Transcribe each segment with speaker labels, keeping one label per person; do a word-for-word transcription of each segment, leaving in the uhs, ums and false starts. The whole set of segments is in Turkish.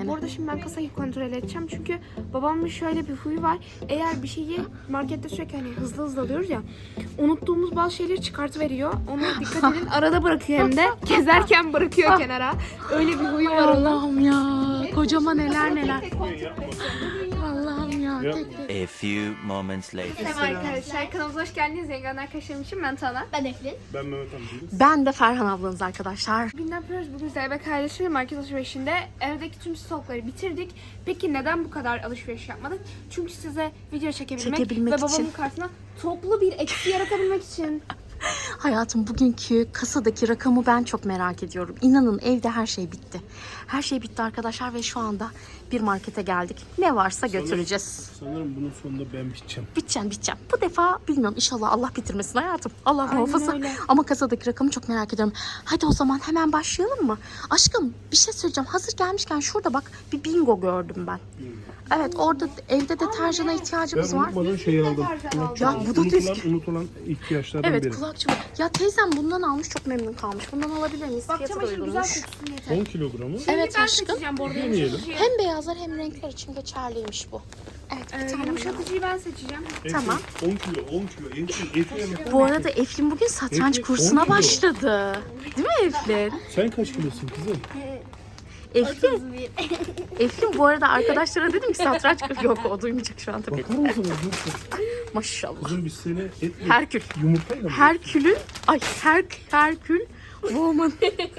Speaker 1: Bu arada şimdi ben kasayı kontrol edeceğim çünkü babamın şöyle bir huyu var. Eğer bir şeyi markette sürekli hani hızlı hızlı alıyoruz ya, unuttuğumuz bazı şeyleri çıkartıveriyor. Ona dikkat edin. Arada bırakıyor hem de. Gezerken bırakıyor kenara. Öyle bir huyu var onun.
Speaker 2: Allah'ım ya. Kocama neler neler. Allah'ım ya. Tek tek.
Speaker 3: A few moments later.
Speaker 1: Merhaba arkadaşlar. Kanalımıza hoş geldiniz. Yengen arkadaşlarım için ben Tana.
Speaker 4: Ben Eflin.
Speaker 5: Ben Mehmet amcayım.
Speaker 2: Ben de Ferhan ablanız arkadaşlar.
Speaker 1: Bugün ne yapıyoruz? Bugün Zeybek ailesi market alışverişinde evdeki tüm stokları bitirdik. Peki neden bu kadar alışveriş yapmadık? Çünkü size video çekebilmek,
Speaker 2: Çekebilmek
Speaker 1: ve babamın
Speaker 2: için.
Speaker 1: karşısına toplu bir eksi yaratabilmek için.
Speaker 2: Hayatım, bugünkü kasadaki rakamı ben çok merak ediyorum. İnanın evde her şey bitti. Her şey bitti arkadaşlar ve şu anda bir markete geldik. Ne varsa götüreceğiz.
Speaker 5: Sanırım bunun sonunda ben biteceğim.
Speaker 2: Biteceğim biteceğim. Bu defa bilmiyorum, inşallah Allah bitirmesin hayatım. Allah
Speaker 1: Aynen
Speaker 2: muhafaza.
Speaker 1: öyle.
Speaker 2: Ama kasadaki rakamı çok merak ediyorum. Hadi o zaman hemen başlayalım mı? Aşkım bir şey söyleyeceğim. Hazır gelmişken şurada bak bir bingo gördüm ben. Evet, orada evde deterjana ihtiyacımız
Speaker 5: Ben
Speaker 2: var.
Speaker 5: unutmadan şeyi aldım.
Speaker 2: Ya bu da
Speaker 5: unutulan,
Speaker 2: tezgah.
Speaker 5: unutulan ihtiyaçlardan
Speaker 2: Evet,
Speaker 5: biri.
Speaker 2: kulakçı. Ya teyzem bundan almış, çok memnun kalmış. Bundan alabilir miyiz?
Speaker 1: Bak
Speaker 2: Fiyatı da
Speaker 1: çamaşır güzel
Speaker 2: uygunmuş.
Speaker 1: kokusun yeter.
Speaker 5: on kilogramı.
Speaker 2: Evet
Speaker 1: ben
Speaker 2: aşkım.
Speaker 1: seçeceğim bu arada.
Speaker 5: Deneyelim.
Speaker 2: Hem beyazlar hem renkler için geçerliymiş bu. Evet, bir
Speaker 1: Ee,
Speaker 2: tane
Speaker 1: yumuşatıcıyı ben seçeceğim.
Speaker 2: Tamam.
Speaker 5: on kilo, on kilo. Eflin, Eflin.
Speaker 2: Bu arada Eflin bugün satranç
Speaker 5: Eflin,
Speaker 2: kursuna
Speaker 5: on kilo.
Speaker 2: başladı. Değil mi Eflin?
Speaker 5: Sen kaç kilosun kızım?
Speaker 2: Eflin, Eflin bu arada arkadaşlara dedim ki satranç kursu yok, o duymayacak şu an tabii.
Speaker 5: Bakar mısınız?
Speaker 2: Maşallah.
Speaker 5: Kızım biz seni etle,
Speaker 2: Herkül.
Speaker 5: yumurtayla mı?
Speaker 2: Herkül'ün, ay her, Herkül woman.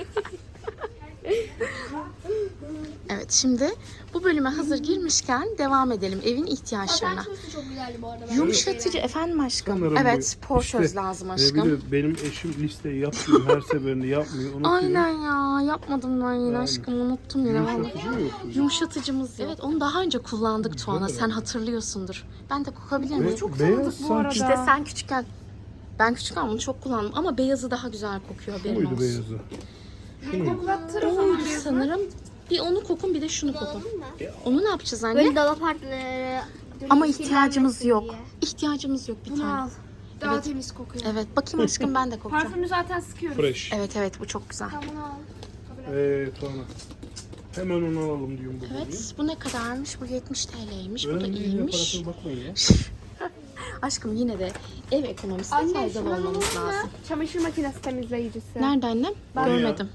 Speaker 2: Evet, şimdi bu bölüme hazır girmişken devam edelim evin ihtiyaçlarına.
Speaker 4: Satranç çok güzeldi bu arada.
Speaker 2: Yumuşatıcı efendim aşkım.
Speaker 5: Sanırım
Speaker 2: Evet,
Speaker 5: bu.
Speaker 2: spor
Speaker 5: İşte,
Speaker 2: söz lazım
Speaker 5: e,
Speaker 2: aşkım.
Speaker 5: bir de benim eşim listeyi yapmıyor. Her seferinde yapmıyor. Unutuyor.
Speaker 2: Aynen ya, yapmadım ben yine
Speaker 5: Yani.
Speaker 2: aşkım, unuttum yine vallahi.
Speaker 5: Yumuşatıcı mı yoktu?
Speaker 2: Yumuşatıcımız yok. Evet, onu daha önce kullandık Tuana, sen hatırlıyorsundur. Ben de kokabilir miyim?
Speaker 5: Çok beyaz
Speaker 1: bu
Speaker 5: sanki.
Speaker 1: arada.
Speaker 2: İşte sen küçükken, ben küçükken bunu çok kullandım ama beyazı daha güzel kokuyor, haberin
Speaker 5: Buydu
Speaker 2: olsun.
Speaker 5: beyazı.
Speaker 1: Koklattır o zaman.
Speaker 2: Oydu sanırım. Bir onu kokun, bir de şunu kokun. Onu ne yapacağız anne?
Speaker 4: Böyle dolap partları.
Speaker 2: Ama ihtiyacımız yok. İhtiyacımız yok bir
Speaker 1: Bunu
Speaker 2: tane.
Speaker 1: al. Daha temiz kokuyor.
Speaker 2: Evet, bakayım aşkım, ben de kokacağım.
Speaker 1: Parfümü zaten sıkıyoruz.
Speaker 5: Fresh.
Speaker 2: Evet evet, bu çok güzel.
Speaker 1: Tamam bunu al.
Speaker 5: Eee Tuana. Hemen onu alalım diyorum bu konuyu.
Speaker 2: Evet, bu ne kadarmış? Bu yetmiş T L'ymiş. Bu da
Speaker 5: Önemli değil,
Speaker 2: iyiymiş.
Speaker 5: parasına bakmayın ya.
Speaker 2: Aşkım yine de ev ekonomisine
Speaker 1: Anne
Speaker 2: faydalı
Speaker 1: şunu
Speaker 2: olmamız
Speaker 1: alalım mı?
Speaker 2: lazım.
Speaker 1: Çamaşır makinesi temizleyicisi.
Speaker 2: Nerede annem?
Speaker 1: Ben-
Speaker 2: Görmedim.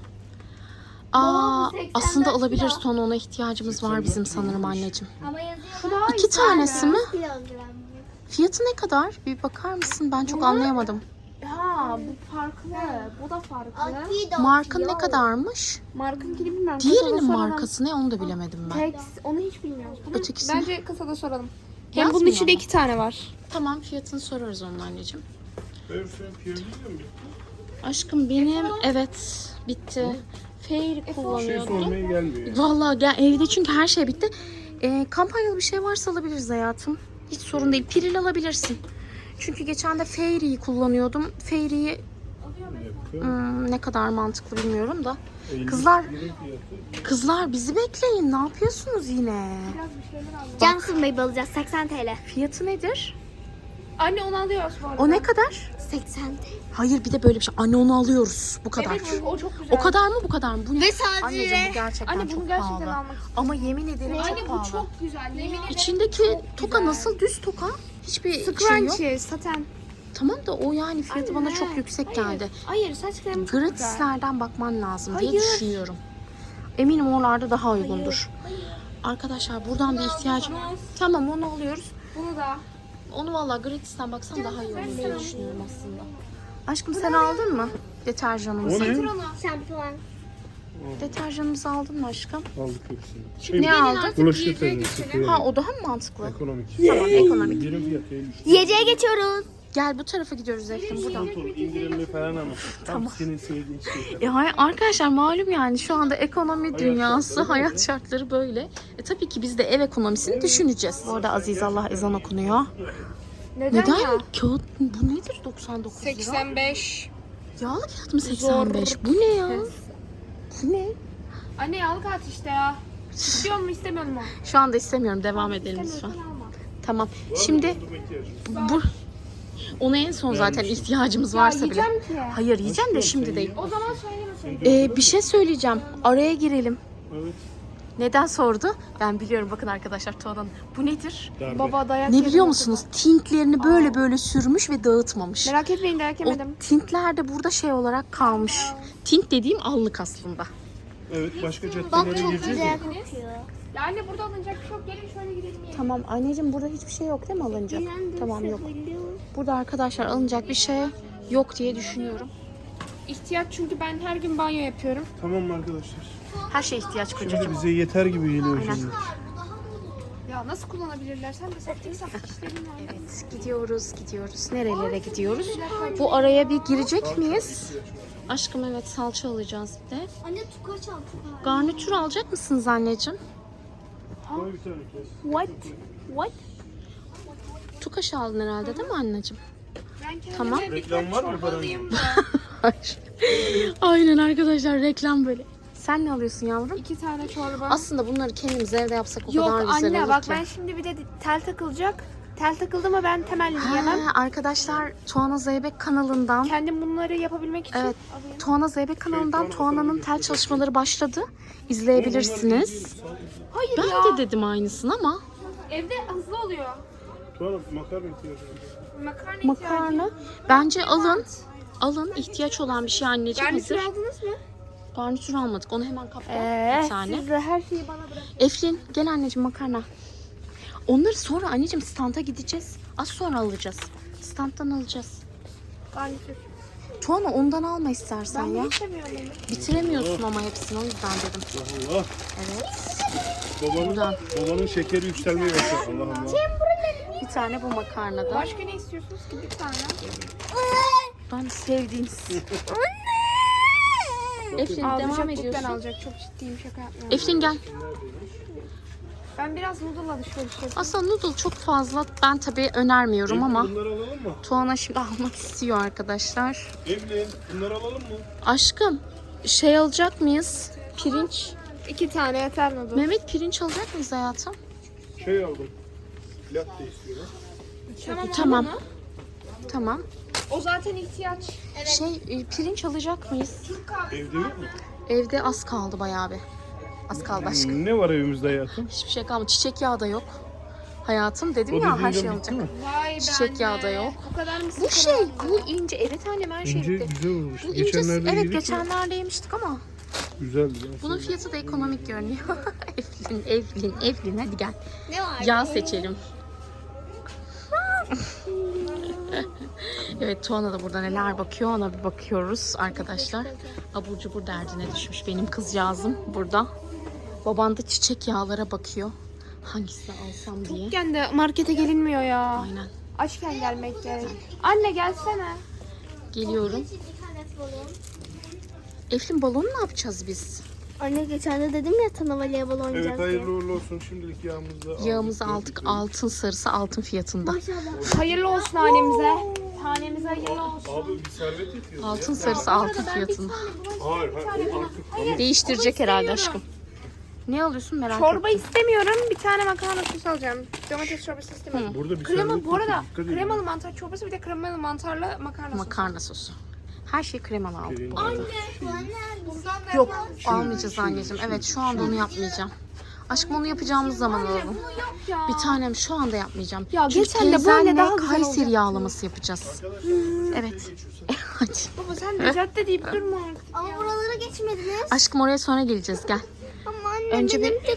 Speaker 2: Aa,
Speaker 4: seksen
Speaker 2: aslında
Speaker 4: dört
Speaker 2: olabilir,
Speaker 4: kilo.
Speaker 2: sonra ona ihtiyacımız var bizim sanırım anneciğim.
Speaker 4: Ama yazıyor.
Speaker 1: Şu daha
Speaker 2: İki tanesi mi?
Speaker 4: Kilogram.
Speaker 2: Fiyatı ne kadar? Bir bakar mısın? Ben çok anlayamadım.
Speaker 1: Ha bu farklı. Bu da farklı.
Speaker 4: Akido.
Speaker 2: Markın ne kadarmış?
Speaker 1: Markınkini bilmiyorum.
Speaker 2: Diğerinin
Speaker 1: Kasada soralım.
Speaker 2: markası ne, onu da bilemedim ben.
Speaker 1: Tek, onu hiç bilmiyoruz. Bunu
Speaker 2: Ötekisini-
Speaker 1: Bence kasada soralım. Hem bunun
Speaker 2: Yazmıyor
Speaker 1: içinde
Speaker 2: mu?
Speaker 1: iki tane var.
Speaker 2: Tamam, fiyatını sorarız onun anneciğim.
Speaker 5: Ben sen piyazıyla mı?
Speaker 2: Aşkım benim evet bitti. Fair
Speaker 5: Şey
Speaker 2: kullanıyordum.
Speaker 5: sormaya gelmiyor yani.
Speaker 2: Vallahi gel, evde çünkü her şey bitti. Ee, kampanyalı bir şey varsa alabiliriz hayatım. Hiç sorun değil. Piril alabilirsin. Çünkü geçen de Fairy'yi kullanıyordum. Fairy'yi hmm, ne kadar mantıklı bilmiyorum da. Kızlar kızlar bizi bekleyin. Ne yapıyorsunuz yine?
Speaker 4: Johnson Baby alacağız. seksen T L.
Speaker 2: Fiyatı nedir?
Speaker 1: Anne onu alıyoruz bu arada.
Speaker 2: O ne kadar?
Speaker 4: seksen T L.
Speaker 2: Hayır, bir de böyle bir şey. Anne onu alıyoruz. Bu kadar.
Speaker 1: Evet çünkü o çok güzel.
Speaker 2: O kadar mı, bu kadar mı? Bu ne?
Speaker 4: Ve sadece-
Speaker 2: Anneciğim bu gerçekten
Speaker 1: Anne bunu
Speaker 2: çok
Speaker 1: gerçekten
Speaker 2: pahalı.
Speaker 1: almak istiyorum.
Speaker 2: Ama yemin ederim çok
Speaker 1: Anne
Speaker 2: pahalı.
Speaker 1: bu çok güzel. Yemin ederim.
Speaker 2: İçindeki toka
Speaker 1: güzel.
Speaker 2: nasıl? Düz toka. Hiçbir şey yok.
Speaker 1: Scrunchie, saten.
Speaker 2: Tamam da o yani fiyatı bana
Speaker 1: Anne,
Speaker 2: çok yüksek
Speaker 1: hayır.
Speaker 2: geldi.
Speaker 1: Hayır saç kremi çok güzel.
Speaker 2: Gratislerden bakman lazım diye
Speaker 1: Hayır.
Speaker 2: düşünüyorum. Eminim oralarda daha uygundur. Arkadaşlar buradan bir ihtiyacım. Tamam, onu alıyoruz.
Speaker 1: Bunu da.
Speaker 2: Onu vallahi gratisten baksan daha iyi olur diye düşünüyorum aslında. Aşkım sen aldın mı deterjanımızı?
Speaker 5: O ne?
Speaker 4: Şampuan.
Speaker 2: Deterjanımızı aldın mı aşkım?
Speaker 5: Aldık hepsini.
Speaker 1: Şimdi
Speaker 2: Ne
Speaker 1: gelin
Speaker 2: aldın?
Speaker 1: artık
Speaker 5: Bulaşık
Speaker 1: yiyeceğe
Speaker 5: temizliği.
Speaker 1: geçelim.
Speaker 2: Ha, o daha mı mantıklı?
Speaker 5: Ekonomik.
Speaker 2: Tamam, ekonomik.
Speaker 5: İndirim fiyatı elli.
Speaker 4: Yiyeceğe geçiyoruz.
Speaker 2: Gel bu tarafa gidiyoruz Eftim, buradan.
Speaker 5: Dur, indirimli falan ama. Tam senin sevdiğin şey.
Speaker 2: E, hay- arkadaşlar malum yani şu anda ekonomi dünyası, hayat şartları böyle. E, tabii ki biz de ev ekonomisini düşüneceğiz. Orada Aziz Allah ezan okunuyor.
Speaker 1: Neden,
Speaker 2: Neden?
Speaker 1: ya?
Speaker 2: Kağıt bu nedir doksan dokuz lira?
Speaker 1: seksen beş.
Speaker 2: Yağlı kağıt mı seksen beş? Bu ne ya? Bu ne?
Speaker 1: Anne yağlı kağıt işte ya. İstiyor mu istemiyor mu?
Speaker 2: Şu anda istemiyorum, devam edelim lütfen.
Speaker 1: İstemiyorsan alma.
Speaker 2: Tamam. Şimdi bu ona en son zaten ihtiyacımız varsa bile.
Speaker 1: yiyeceğim ki.
Speaker 2: Hayır, yiyeceğim de şimdi değil.
Speaker 1: O zaman söylemeseydin.
Speaker 2: Ee, bir şey söyleyeceğim. Araya girelim.
Speaker 5: Evet.
Speaker 2: Neden sordu? Ben biliyorum, bakın arkadaşlar Tuana'nın. Bu nedir?
Speaker 5: Darbe.
Speaker 1: Baba dayak
Speaker 2: Ne
Speaker 1: yedim
Speaker 2: biliyor
Speaker 1: o
Speaker 2: musunuz? Tintlerini böyle böyle sürmüş ve dağıtmamış.
Speaker 1: kadar. Merak etmeyin dayak
Speaker 2: O
Speaker 1: yemedim.
Speaker 2: tintler de burada şey olarak kalmış. Tint dediğim allık aslında.
Speaker 5: Evet, başka
Speaker 4: Bak
Speaker 5: caddelere
Speaker 4: çok
Speaker 5: gireceğiz
Speaker 4: güzel
Speaker 5: ya.
Speaker 4: kokuyor.
Speaker 1: Ya anne burada alınacak bir şey yok. Gelin şöyle gidelim yiyelim.
Speaker 2: Tamam anneciğim, burada hiçbir şey yok değil mi alınacak? Tamam, yok. Burada arkadaşlar alınacak bir şey yok diye düşünüyorum.
Speaker 1: İhtiyaç çünkü ben her gün banyo yapıyorum.
Speaker 5: Tamam mı arkadaşlar?
Speaker 2: Her şeye ihtiyaç
Speaker 5: Şimdi
Speaker 2: kocacığım.
Speaker 5: bize yeter gibi geliyor
Speaker 2: Aynen.
Speaker 5: şimdi.
Speaker 1: Ya nasıl kullanabilirler? Sen de saftik saftik işlerin var.
Speaker 2: Evet, gidiyoruz gidiyoruz. Nerelere gidiyoruz? Bu araya bir girecek miyiz? Aşkım evet, salça alacağız bir de.
Speaker 4: Anne tukaç al tukaç.
Speaker 2: Garnitür alacak mısınız anneciğim?
Speaker 5: Koy bir tane kes.
Speaker 2: What? What? Tukaş aldın herhalde değil mi anneciğim?
Speaker 1: Ben kendime
Speaker 2: Tamam.
Speaker 1: bir
Speaker 5: Reklam var mı
Speaker 1: çorba
Speaker 5: paranın?
Speaker 1: alayım da.
Speaker 2: Hayır. Aynen arkadaşlar, reklam böyle. Sen ne alıyorsun yavrum?
Speaker 1: İki tane çorba.
Speaker 2: Aslında bunları kendimiz evde yapsak o
Speaker 1: Yok
Speaker 2: kadar güzel
Speaker 1: anne
Speaker 2: olur
Speaker 1: bak
Speaker 2: ki.
Speaker 1: ben şimdi bir de tel takılacak. Tel takıldı mı ben temelli yiyemem.
Speaker 2: Ha, arkadaşlar Tuana Zeybek kanalından,
Speaker 1: Kendim bunları yapabilmek için
Speaker 2: evet,
Speaker 1: alayım.
Speaker 2: Tuana Zeybek kanalından Tuana'nın tel çalışmaları başladı. İzleyebilirsiniz.
Speaker 1: Hayır
Speaker 2: Ben
Speaker 1: ya.
Speaker 2: de dedim aynısını ama
Speaker 1: Evde hızlı oluyor.
Speaker 5: Tuana makarna ihtiyacı var.
Speaker 1: Makarna,
Speaker 2: makarna bence alın. Alın, ihtiyaç olan bir şey anneciğim,
Speaker 1: Garnitür
Speaker 2: hazır.
Speaker 1: aldınız mı?
Speaker 2: Garnitür almadık, onu hemen kapta
Speaker 1: Ee,
Speaker 2: bir tane.
Speaker 1: siz de her şeyi bana bırakın.
Speaker 2: Eflin gel anneciğim, makarna. Onları sonra anneciğim standa gideceğiz. Az sonra alacağız. Standtan alacağız.
Speaker 1: Garnitür.
Speaker 2: Tuana ondan alma istersen
Speaker 1: Ben
Speaker 2: ya.
Speaker 1: bunu istemiyorum. bunu.
Speaker 2: Bitiremiyorsun ama hepsini, o yüzden dedim.
Speaker 5: Allah.
Speaker 2: Evet.
Speaker 5: Babanın,
Speaker 2: Buradan.
Speaker 5: babanın şekeri yükselmeye başladı. Allah Allah.
Speaker 2: Bir tane bu makarnadan.
Speaker 1: Başka ne istiyorsunuz ki bir tane?
Speaker 2: Ben sevdiğiniz. Eflin devam
Speaker 1: Alacak
Speaker 2: ediyorsun.
Speaker 1: Ben alacak. Çok ciddiyim, şaka yapmıyorum.
Speaker 2: Eflin gel.
Speaker 1: Ben biraz noodle alışveriş yapıyorum.
Speaker 2: Aslında noodle çok fazla ben tabii önermiyorum ama
Speaker 5: Bunları alalım mı?
Speaker 2: Tuana şimdi almak istiyor arkadaşlar.
Speaker 5: Evlen, bunları alalım mı?
Speaker 2: Aşkım şey alacak mıyız? Pirinç.
Speaker 1: İki tane yeter noodle.
Speaker 2: Mehmet pirinç alacak mıyız hayatım?
Speaker 5: Şey aldım. Latte istiyorum.
Speaker 1: Tamam.
Speaker 2: Tamam.
Speaker 1: al onu.
Speaker 2: Tamam.
Speaker 1: O zaten ihtiyaç.
Speaker 2: Şey e, pirinç alacak mıyız?
Speaker 5: Evde yok mu?
Speaker 2: Evde az kaldı bayağı bir. Az kaldı aşkım.
Speaker 5: Ne var evimizde hayatım?
Speaker 2: Hiçbir şey kalmadı. Çiçek yağı da yok. Hayatım dedim
Speaker 5: O
Speaker 2: ya, her
Speaker 5: dediğin
Speaker 2: şey
Speaker 5: de bitti
Speaker 2: alacak.
Speaker 5: mi?
Speaker 1: Vay be
Speaker 2: Çiçek
Speaker 1: anne.
Speaker 2: yağı da yok.
Speaker 1: Bu kadar mı
Speaker 2: Bu
Speaker 1: sıkı
Speaker 2: şey,
Speaker 1: aldın?
Speaker 2: bu ince. Evet annem her şey
Speaker 5: İnce
Speaker 2: bitti.
Speaker 5: güzel olmuş.
Speaker 2: Bu ince,
Speaker 5: Geçenlerde
Speaker 2: evet
Speaker 5: yedik mi?
Speaker 2: geçenlerde yemiştik ama
Speaker 5: Güzeldi. ya.
Speaker 2: bunun fiyatı da ekonomik görünüyor. Eflin, Eflin, Eflin hadi gel.
Speaker 4: Ne var?
Speaker 2: Yağ seçelim. Evet, Tuana da burada neler bakıyor, ona bir bakıyoruz arkadaşlar. Abur cubur derdine düşmüş benim kızcağızım burada. Baban da çiçek yağlara bakıyor. Hangisini alsam diye.
Speaker 1: Çocukken de markete gelinmiyor ya.
Speaker 2: Aynen.
Speaker 1: Açken gelmek gerek. Anne gelsene.
Speaker 2: Geliyorum.
Speaker 4: Bir tane balon.
Speaker 2: Eflin balonu ne yapacağız biz?
Speaker 4: Anne geçen de dedim ya sana voleybol oynayacağız
Speaker 5: Evet,
Speaker 4: diye.
Speaker 5: hayırlı uğurlu olsun. Şimdilik yağımızı aldık.
Speaker 2: Yağımızı aldık, altın sarısı altın fiyatında.
Speaker 4: Maşallah.
Speaker 1: Hayırlı olsun hanemize. Hanemize hayırlı olsun.
Speaker 5: Abi bir servet yetiyor.
Speaker 2: Altın sarısı altın fiyatında.
Speaker 5: Hayır, hayır. O artık tamam.
Speaker 2: Değiştirecek herhalde aşkım. Ne alıyorsun merak
Speaker 1: Çorba
Speaker 2: ettim.
Speaker 1: istemiyorum. Bir tane makarna sosu alacağım. Domates çorbası istemiyorum.
Speaker 5: Burada bir
Speaker 1: Krema
Speaker 5: servet
Speaker 1: bu arada
Speaker 5: yetiyor. Dikkat edin.
Speaker 1: kremalı mantar çorbası bir de kremalı mantarlı makarna sosu.
Speaker 2: Makarna sosu. Her şey kremalı aldık.
Speaker 5: Pirinç.
Speaker 1: Bundan da
Speaker 2: Yok,
Speaker 1: yapalım.
Speaker 2: almayacağız anneciğim. Evet, şu anda onu yapmayacağım. Aşkım onu yapacağımız zaman alalım.
Speaker 1: Yok ya.
Speaker 2: Bir tanem şu anda yapmayacağım.
Speaker 1: Ya
Speaker 2: Çünkü
Speaker 1: geçen de böyle
Speaker 2: teyzenle
Speaker 1: daha güzel
Speaker 2: Kayseri
Speaker 1: olacaktı.
Speaker 2: yağlaması yapacağız. Evet. Hadi.
Speaker 1: Baba sen de cadde deyip durma artık.
Speaker 4: Ama buralara geçmediniz.
Speaker 2: Aşkım oraya sonra geleceğiz, gel.
Speaker 4: Ama anne
Speaker 2: Önce
Speaker 4: benim
Speaker 2: bir-
Speaker 4: tek...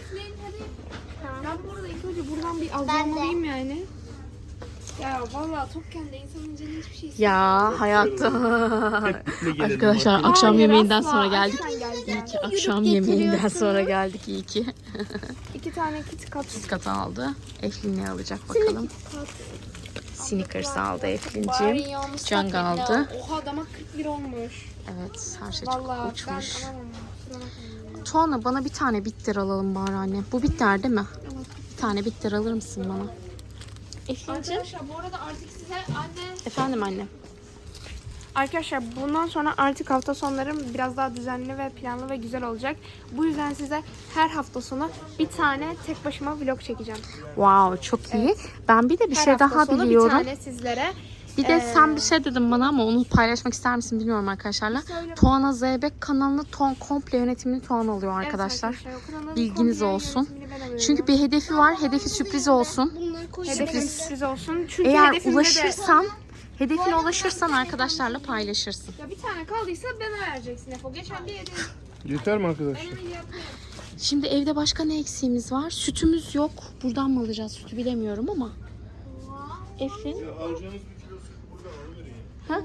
Speaker 1: Ben bu arada ilk önce buradan bir
Speaker 4: Ben de.
Speaker 1: alacağım yani. Ya vallahi tokken de insanın canı hiçbir şey istemiyor.
Speaker 2: Ya hayatım.
Speaker 5: Birlikte gelelim.
Speaker 2: Arkadaşlar
Speaker 5: Hadi.
Speaker 2: akşam
Speaker 1: Hayır,
Speaker 2: yemeğinden
Speaker 1: asla.
Speaker 2: sonra geldik.
Speaker 1: Açken geleceğim.
Speaker 2: İyi ki akşam yemeğinden sonra geldik, iyi ki.
Speaker 1: İki tane kit kat.
Speaker 2: Kat aldı. Eflin ne alacak bakalım. Snickers aldı Eflin'cim. Cang aldı.
Speaker 1: Oha damak kırk bir olmuş.
Speaker 2: Evet, her şey
Speaker 1: Vallahi
Speaker 2: çok uçmuş.
Speaker 1: ben alamam. Kusura bakmayın.
Speaker 2: Tuana bana bir tane bitter alalım bari anne. Bu bitter değil mi? Bir tane bitter alır mısın bana? Eflin'cim.
Speaker 1: Arkadaşlar bu arada artık size anne...
Speaker 2: Efendim anne.
Speaker 1: Arkadaşlar bundan sonra artık hafta sonlarım biraz daha düzenli ve planlı ve güzel olacak. Bu yüzden size her hafta sonu bir tane tek başıma vlog çekeceğim.
Speaker 2: Wow, çok iyi. Ben bir de bir
Speaker 1: Her
Speaker 2: şey
Speaker 1: hafta
Speaker 2: daha
Speaker 1: sonu
Speaker 2: biliyorum.
Speaker 1: bir tane sizlere
Speaker 2: Bir de
Speaker 1: Ee,
Speaker 2: sen bir şey dedin bana ama onu paylaşmak ister misin bilmiyorum arkadaşlarla.
Speaker 1: Söyle.
Speaker 2: Tuana Zeybek kanalını ton, komple yönetimini Tuana alıyor
Speaker 1: Evet
Speaker 2: arkadaşlar.
Speaker 1: o kanalın
Speaker 2: Bilginiz
Speaker 1: komple
Speaker 2: olsun.
Speaker 1: yönetimini ben alıyorum.
Speaker 2: Çünkü bir hedefi var. Hedefi sürpriz olsun.
Speaker 4: Bunları koyacağım.
Speaker 1: Hedefim sürpriz olsun. Çünkü
Speaker 2: Eğer
Speaker 1: hedefimde de-
Speaker 2: ulaşırsan, hedefine ulaşırsan arkadaşlarla paylaşırsın.
Speaker 1: Ya bir tane kaldıysa bana vereceksin Efo. Geçen bir yedi.
Speaker 5: Yeter mi arkadaşlar?
Speaker 1: Ben öyle yaptım.
Speaker 2: Şimdi evde başka ne eksiğimiz var? Sütümüz yok. Buradan mı alacağız sütü bilemiyorum ama. Eflin.
Speaker 5: Alacağınız bir kilo süt buradan alıverin.
Speaker 2: Ha?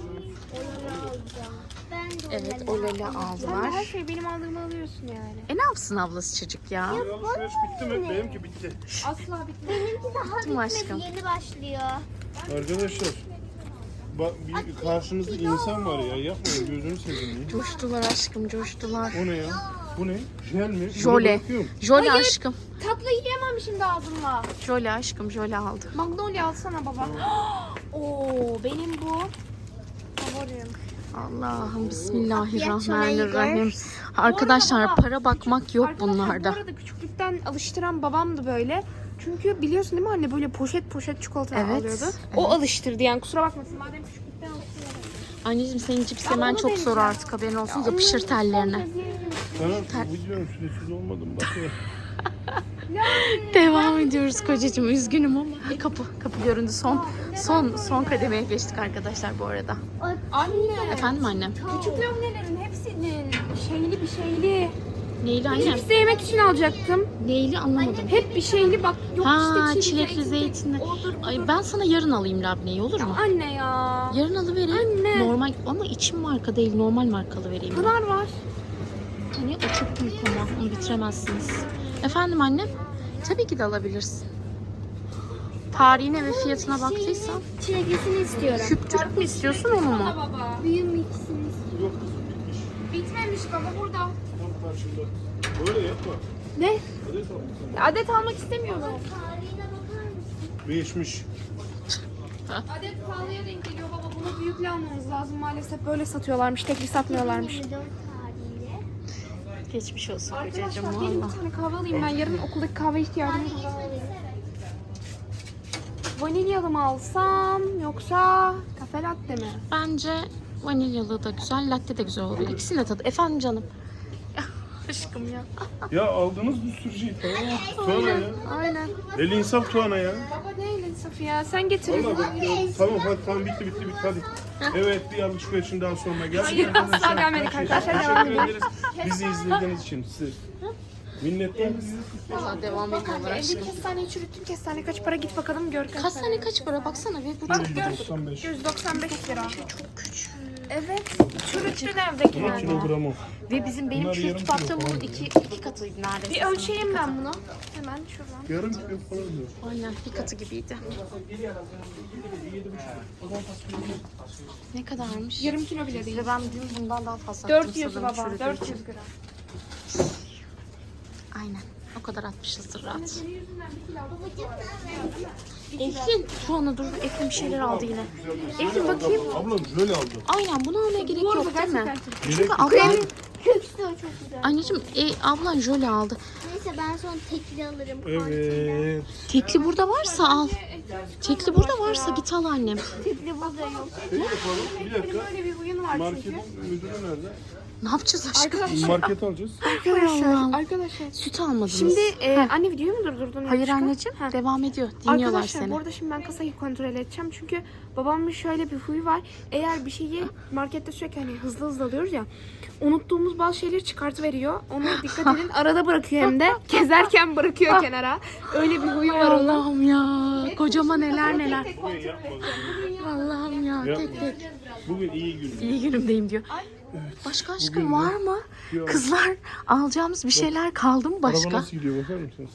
Speaker 4: Ben de
Speaker 2: Evet,
Speaker 4: öyle.
Speaker 2: Oleli
Speaker 1: Sen de her
Speaker 2: aldılar.
Speaker 1: şeyi benim aldığımı alıyorsun yani.
Speaker 2: E ne yapsın ablası çocuk ya?
Speaker 5: Alışveriş bitti mi? Benimki bitti.
Speaker 1: Asla bitmez.
Speaker 4: Benimki daha
Speaker 2: Bitti mi aşkım?
Speaker 4: bitmedi. Yeni başlıyor.
Speaker 5: Arkadaşlar. Bak bir karşımızda insan var ya. Yapmayın gözünü seveyim. ya.
Speaker 2: Coştular aşkım, coştular.
Speaker 5: O ne ya? Bu ne? Jel mi? Bunu
Speaker 2: Jöle.
Speaker 5: bırakıyorum.
Speaker 2: Jöle aşkım.
Speaker 1: Tatlı yiyemem şimdi ağzımla.
Speaker 2: Jöle aşkım, jöle aldı.
Speaker 1: Magnolia alsana baba. Oo benim bu. Favorim.
Speaker 2: Allah'ım bismillahirrahmanirrahim. Arkadaşlar para bakmak yok
Speaker 1: Arkadaşlar,
Speaker 2: bunlarda.
Speaker 1: Bu arada küçüklükten alıştıran babamdı böyle. Çünkü biliyorsun değil mi anne böyle poşet poşet çikolata
Speaker 2: Evet,
Speaker 1: alıyordu.
Speaker 2: evet.
Speaker 1: O alıştırdı yani kusura bakmasın madem küçüklükten alıştırdı.
Speaker 2: Anneciğim senin cips
Speaker 1: Ya
Speaker 2: yemen
Speaker 1: onu
Speaker 2: çok zor
Speaker 1: deneyeceğim.
Speaker 2: artık haberin olsun. Yapışır tellerine.
Speaker 5: Sana videonun süresiz olmadım bak ya.
Speaker 2: Devam ediyoruz kocacığım. Üzgünüm ama. Ha, kapı. Kapı göründü. Son son son kademeye geçtik arkadaşlar bu arada.
Speaker 1: Anne.
Speaker 2: Efendim annem.
Speaker 1: Küçük lömnelerin hepsinin şeyli bir şeyli.
Speaker 2: Neyli annem?
Speaker 1: Cips de yemek için alacaktım.
Speaker 2: Neyli anlamadım.
Speaker 1: Hep bir şeyli bak. Yok
Speaker 2: Ha
Speaker 1: işte
Speaker 2: çilekli zeytinli.
Speaker 1: Odur,
Speaker 2: Ay ben sana yarın alayım labneyi olur mu?
Speaker 1: Anne ya.
Speaker 2: Yarın alıvereyim.
Speaker 1: Anne.
Speaker 2: Normal ama içim marka değil normal markalı vereyim. ben.
Speaker 1: Pınar var.
Speaker 2: Hani o çok büyük ama onu bitiremezsiniz. Efendim annem? Tabii ki de alabilirsin. Tarihine ve fiyatına baktıysan.
Speaker 4: Çileklisini istiyorum.
Speaker 2: Küp küp mü istiyorsun onu mu?
Speaker 1: Baba.
Speaker 4: Büyüm ikisini istiyorum.
Speaker 5: Yok kızım bitmiş.
Speaker 1: Bitmemiş baba burada.
Speaker 5: Tam karşımda. Böyle yapma.
Speaker 1: Ne?
Speaker 5: Hadi tamam.
Speaker 1: Ya adet almak istemiyorum.
Speaker 4: Tarihine bakar mısın?
Speaker 5: Değişmiş.
Speaker 1: Adet pahalıya denk geliyor baba. Bunu büyükle almamız lazım. Maalesef böyle satıyorlarmış. Tekli satmıyorlarmış.
Speaker 4: yirmi dört tarihiyle.
Speaker 2: Geçmiş olsun
Speaker 1: Arkadaşlar
Speaker 2: kocacığım
Speaker 1: benim
Speaker 2: valla.
Speaker 1: bir tane kahve alayım ben. Yarın okuldaki kahve ihtiyacım var. Vanilyalı mı alsam yoksa kafe latte mi?
Speaker 2: Bence vanilyalı da güzel, latte de güzel olabilir. İkisinin de tadı. Efendim canım. Aşkım ya.
Speaker 5: Ya aldınız bir sürü şey tamam. Tuana ya.
Speaker 1: Aynen.
Speaker 5: El insaf Tuana ya.
Speaker 1: Baba değil Safiye ya. Sen getir.
Speaker 5: Valla bak ya. Tamam hadi tamam bitti bitti bitti hadi. Evet bir alışverişin daha sonra geldik.
Speaker 1: Hayır, asla gelmedik arkadaşlar, devam
Speaker 5: Teşekkür
Speaker 1: ediyoruz.
Speaker 5: ederiz. Bizi izlediğiniz için size. Minnettarız.
Speaker 2: Valla devam ediyorlar
Speaker 1: Evdeki
Speaker 2: aşkım.
Speaker 1: kestaneyi çürüttüm. Kestane kaç para git bakalım gör.
Speaker 2: Kaç tane kaç para baksana ve bu çok
Speaker 5: yüz doksan beş.
Speaker 1: yüz doksan beş lira.
Speaker 2: çok küçük.
Speaker 1: Evet. Çürüttün
Speaker 5: Ama
Speaker 1: evdekiler.
Speaker 5: kilogramı.
Speaker 2: Ve bizim benim
Speaker 5: Bunlar yarım
Speaker 2: çürütüp
Speaker 5: kilo
Speaker 2: attığım
Speaker 5: falan
Speaker 2: bunun iki, iki katıydı neredeyse.
Speaker 1: Bir ölçeyim ben bunu. Hemen şuradan.
Speaker 5: Yarım kilo falan diyor.
Speaker 2: Aynen bir katı gibiydi. Ne kadarmış?
Speaker 1: Yarım kilo bile değil.
Speaker 2: Ve ben dün bundan daha fazla attım
Speaker 1: dört yüz
Speaker 2: sanırım
Speaker 1: baba.
Speaker 2: çürüdüğü
Speaker 1: dört
Speaker 2: için.
Speaker 1: yüz gram.
Speaker 2: Aynen. O kadar atmışızdır rahat.
Speaker 1: Senin yüzünden bir kilo aldım.
Speaker 2: Eflin. Şu ana dur. Eflin bir şeyler aldı yine. Eflin bakayım.
Speaker 5: Ablam şöyle aldı.
Speaker 2: Aynen buna almaya gerek
Speaker 1: Bu arada
Speaker 2: yok değil mi?
Speaker 1: gerçekten çok-
Speaker 2: Çünkü
Speaker 5: Gerek
Speaker 2: ablan,
Speaker 4: Köksü de çok güzel.
Speaker 2: anneciğim e, ablan jöle aldı.
Speaker 4: Neyse ben sonra tekli alırım. Partiyle.
Speaker 5: Evet.
Speaker 2: Tekli burada varsa al. Tekli burada varsa git al annem.
Speaker 4: Tekli burada yok.
Speaker 5: Şey yapalım. Bir dakika.
Speaker 1: Böyle bir huyun var çünkü.
Speaker 5: Marketin müdürü nerede?
Speaker 2: Ne yapacağız aşkım?
Speaker 1: Arkadaşlar,
Speaker 5: Market alacağız.
Speaker 1: arkadaşlar,
Speaker 2: Allah'ım.
Speaker 1: arkadaşlar.
Speaker 2: Süt almadınız.
Speaker 1: Şimdi e, anne videoyu mu durdurdun?
Speaker 2: Hayır
Speaker 1: yanlışlıkla?
Speaker 2: anneciğim
Speaker 1: Ha.
Speaker 2: devam ediyor. Dinliyorlar
Speaker 1: Arkadaşlar
Speaker 2: seni.
Speaker 1: bu arada şimdi ben kasayı kontrol edeceğim çünkü babamın şöyle bir huyu var. Eğer bir şeyi markette sürekli hani hızlı hızlı alıyoruz ya unuttuğumuz bazı şeyleri çıkartıveriyor. Onu dikkat edin arada bırakıyor hem de gezerken bırakıyor kenara. Öyle bir huyu var onun.
Speaker 2: Allah'ım ya. Kocama neler neler.
Speaker 5: Bugün yapmadım.
Speaker 2: Allah'ım ya. Tek tek.
Speaker 5: Bugün iyi gün.
Speaker 2: İyi günümdeyim diyor. Başka aşkım
Speaker 5: bugün de-
Speaker 2: var mı?
Speaker 5: Yok.
Speaker 2: Kızlar alacağımız bir şeyler kaldı mı
Speaker 5: Araba
Speaker 2: başka?
Speaker 5: nasıl gidiyor bakar mısınız?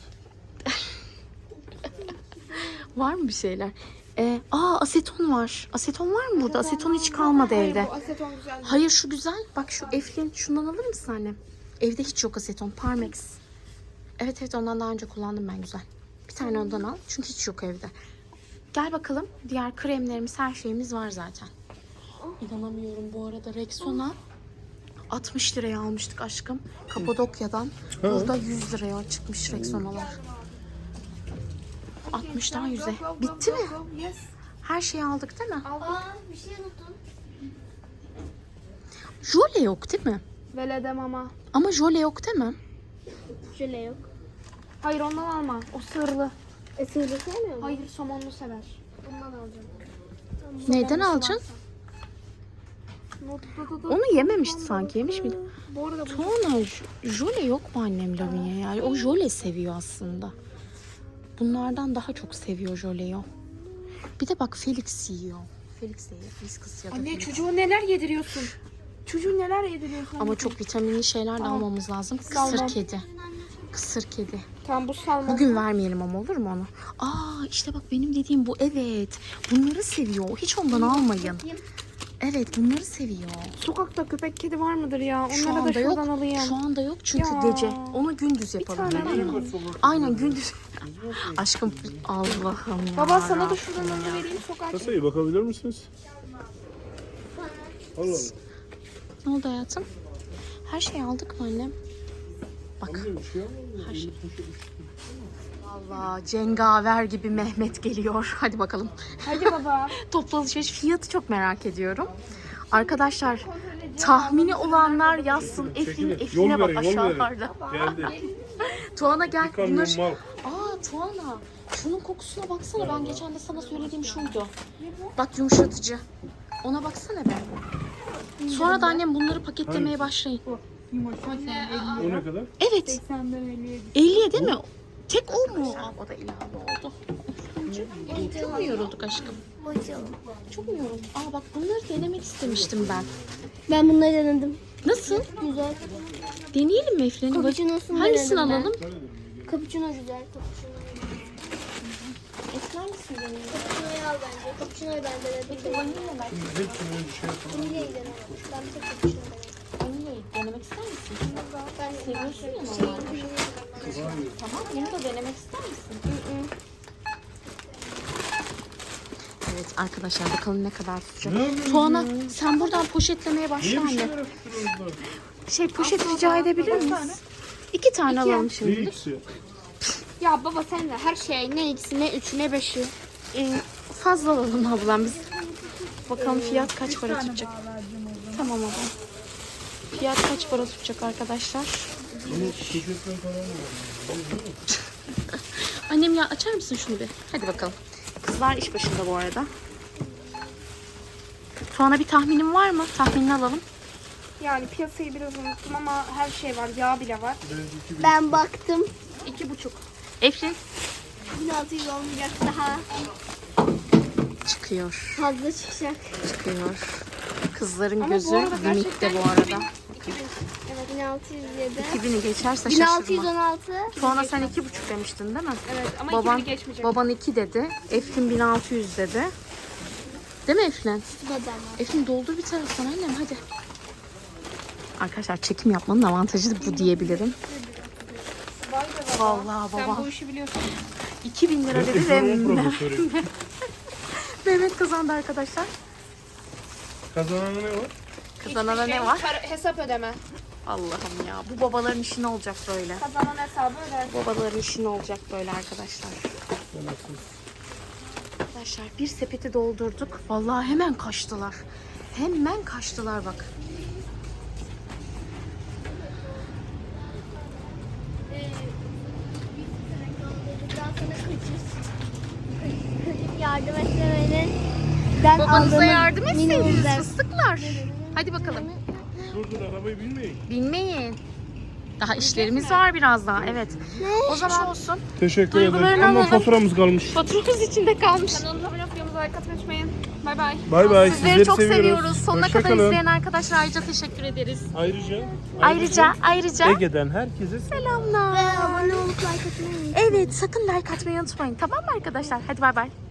Speaker 2: Var mı bir şeyler? Ee, aa aseton var. Aseton var mı burada? Aseton hiç kalmadı evde.
Speaker 1: Hayır bu aseton güzel.
Speaker 2: Hayır şu güzel. Bak şu Eflin şundan alır mısın annem? Evde hiç yok aseton. Parmex. Evet evet ondan daha önce kullandım ben güzel. Bir tane ondan al. Çünkü hiç yok evde. Gel bakalım. Diğer kremlerimiz her şeyimiz var zaten. İnanamıyorum bu arada Rexona altmış liraya almıştık aşkım. Kapadokya'dan. Burada yüz liraya çıkmış Rexona'lar. altmıştan yüze. Bitti mi?
Speaker 1: Yes.
Speaker 2: Her şeyi aldık değil mi?
Speaker 4: Aa bir şey unuttun.
Speaker 2: Jöle yok değil mi?
Speaker 1: Veledem ama.
Speaker 2: Ama jöle yok değil mi?
Speaker 4: Jöle yok.
Speaker 1: Hayır ondan alma. O sığırlı.
Speaker 4: E sığırı sevmiyor musun?
Speaker 1: Hayır somonlu sever.
Speaker 4: Bundan alacağım.
Speaker 2: Neyden alacaksın? Onu yememişti sanki. Yemiş miydi?
Speaker 1: Bu arada bu
Speaker 2: Tuana j- jöle yok mu annem Lavinia yani? O jöle seviyor aslında. Bunlardan daha çok seviyor jöleyi o. Bir de bak Felix yiyor. Felix de yiyor. Felix ya da
Speaker 1: Anne
Speaker 2: Felix.
Speaker 1: çocuğu neler yediriyorsun? Çocuğu neler yediriyorsun?
Speaker 2: Ama çok vitaminli şeyler de almamız lazım. Kısır
Speaker 1: Salmon.
Speaker 2: kedi. Kısır kedi.
Speaker 1: Tamam bu salmon.
Speaker 2: Bugün vermeyelim ama olur mu onu? Aa işte bak benim dediğim bu, evet. Bunları seviyor. Hiç ondan almayın. Evet bunları seviyor.
Speaker 1: Sokakta köpek kedi var mıdır ya?
Speaker 2: Şu
Speaker 1: Onları da
Speaker 2: anda yok.
Speaker 1: şuradan alayım.
Speaker 2: Şu anda yok çünkü
Speaker 1: Ya.
Speaker 2: gece. Onu gündüz yapalım.
Speaker 1: tane
Speaker 2: Değil mi? Aynen gündüz. Aşkım Allah'ım ya.
Speaker 1: Baba sana da şuradan alı vereyim sokağa. çık.
Speaker 5: Kasayı bakabilir misiniz? Allah Allah.
Speaker 2: Ne oldu hayatım? Her şeyi aldık mı annem? Bak.
Speaker 5: Amca bir şey yapmadın mı?
Speaker 2: Her şey.
Speaker 5: Elini taşı-
Speaker 2: Vallahi cengaver gibi Mehmet geliyor. Hadi bakalım.
Speaker 1: Hadi baba.
Speaker 2: Toplu alışveriş fiyatı çok merak ediyorum. Arkadaşlar tahmini olanlar yazsın. Eflin,
Speaker 5: Çekilin.
Speaker 2: Eflin'e
Speaker 5: Yol
Speaker 2: bak
Speaker 5: verin, yol verin.
Speaker 2: aşağılarda.
Speaker 5: Geldi.
Speaker 2: Tuana gel.
Speaker 5: Bir kamyon
Speaker 2: Bunlar...
Speaker 5: mal.
Speaker 2: Aa Tuana. Şunun kokusuna baksana. Ben geçen de sana söylediğim şuydu. Bak yumuşatıcı. Ona baksana be. Sonra da annem bunları paketlemeye başlayın.
Speaker 5: O ne kadar?
Speaker 2: Evet. elliye değil mi? Tek o mu? Aa, o da ilave oldu. Çok mu yorulduk aşkım? Çok mu yorulduk? Aa bak bunları denemek istemiştim ben.
Speaker 4: Ben bunları denedim.
Speaker 2: Nasıl?
Speaker 4: Güzel.
Speaker 2: Deneyelim mi Efren'i?
Speaker 4: Cappuccino'sunu
Speaker 2: Hangisini
Speaker 4: denedim ben.
Speaker 2: alalım?
Speaker 4: Cappuccino güzel. Cappuccino.
Speaker 2: Esmer misin deneyelim?
Speaker 4: Cappuccino'yu al bence. Cappuccino'yu ben denedim.
Speaker 2: Vanilya ver.
Speaker 5: Hepsini bir şey yapalım.
Speaker 4: Vanilya'yı denedim. Ben bir tek cappuccino denedim.
Speaker 2: Vanilyayı denemek ister misin?
Speaker 4: Ben
Speaker 2: Seviyorsun ya
Speaker 4: şey,
Speaker 2: normalde. Tamam bunu da denemek ister misin? Evet arkadaşlar bakalım ne kadar tutacak.
Speaker 5: Ne yapıyorsun
Speaker 2: Tuana sen buradan poşetlemeye başla
Speaker 5: Niye bir
Speaker 2: anne.
Speaker 5: şeyler yapıyorsunuz?
Speaker 2: Şey poşet rica edebilir miyiz? İki tane alalım
Speaker 5: Ne
Speaker 2: şimdilik.
Speaker 5: ikisi?
Speaker 1: Ya baba sen de her şey ne ikisi ne üçü ne beşi.
Speaker 2: Ee, fazla alalım ablam biz. Bakalım fiyat kaç para tutacak. Tamam ablam. Fiyat kaç para tutacak arkadaşlar?
Speaker 5: Ama poşetler falan var.
Speaker 2: Annem ya açar mısın şunu bir? Hadi bakalım. Kızlar iş başında bu arada. Tuana bir tahminin var mı? Tahminini alalım.
Speaker 1: Yani piyasayı biraz unuttum ama her şey var. Yağ bile var.
Speaker 4: Ben baktım.
Speaker 1: İki buçuk.
Speaker 2: Eflin
Speaker 4: bin altı yüz olmayacak daha.
Speaker 2: çıkıyor.
Speaker 4: Fazla çıkacak.
Speaker 2: Çıkıyor. Kızların
Speaker 1: Ama
Speaker 2: gözü
Speaker 1: bu arada
Speaker 2: limitte
Speaker 1: gerçekten
Speaker 2: bu arada.
Speaker 4: Evet bin altı yüz yedi.
Speaker 2: iki bini geçerse
Speaker 4: bin altı yüz
Speaker 2: şaşırma.
Speaker 4: on altı.
Speaker 2: Tuana sen iki buçuk demiştin değil mi?
Speaker 1: Evet ama
Speaker 2: Baban,
Speaker 1: iki bini geçmeyecek.
Speaker 2: baban iki dedi. Eflin bin altı yüz dedi. Değil mi Eflin?
Speaker 4: Tutmadı ama.
Speaker 2: Eflin doldur bir taraftan annem hadi. Arkadaşlar çekim yapmanın avantajı da bu diyebilirim.
Speaker 1: Vay be baba.
Speaker 2: Vallahi
Speaker 1: Sen
Speaker 2: baba.
Speaker 1: bu işi biliyorsun.
Speaker 2: iki bin lira dedi ve
Speaker 5: Ekonomi profesörü.
Speaker 2: Mehmet kazandı arkadaşlar.
Speaker 5: Kazananı ne var?
Speaker 2: Kazanana
Speaker 1: Hiçbir
Speaker 2: ne
Speaker 1: şey,
Speaker 2: var?
Speaker 1: para- hesap ödeme.
Speaker 2: Allah'ım ya bu babaların işi ne olacak böyle?
Speaker 1: Kazanan hesabı öder.
Speaker 2: Babaların işi ne olacak böyle arkadaşlar? Arkadaşlar bir sepeti doldurduk. Vallahi hemen kaçtılar. Hemen kaçtılar bak.
Speaker 4: Daha sonra kaçır. Kaçıp yardım etmemenin. Ben
Speaker 2: Babanıza
Speaker 4: aldığımız
Speaker 2: yardım
Speaker 4: minimum
Speaker 2: etseydiniz
Speaker 4: zevk.
Speaker 2: fıstıklar. Hadi bakalım.
Speaker 5: Dur dur arabayı bilmeyin.
Speaker 2: Binmeyin. Daha işlerimiz var biraz daha. Evet. O zaman olsun.
Speaker 5: Teşekkür
Speaker 2: Duygularını
Speaker 5: ederim. Ama
Speaker 2: alalım.
Speaker 5: faturamız kalmış.
Speaker 2: Faturamız içinde kalmış.
Speaker 1: Kanalımıza abone olup videomuza like atmayı unutmayın. Bay bay.
Speaker 5: Bay bay.
Speaker 2: Sizleri çok seviyoruz. Sonuna
Speaker 5: Hoşça
Speaker 2: kadar
Speaker 5: kalın.
Speaker 2: izleyen arkadaşlar ayrıca teşekkür ederiz.
Speaker 5: Ayrıca,
Speaker 2: Ayrıca ayrıca
Speaker 5: Ege'den herkese
Speaker 2: selamlar.
Speaker 4: Ve abone olup like atmayı unutmayın.
Speaker 2: Evet sakın like atmayı unutmayın. Tamam mı arkadaşlar? Hadi bay bay.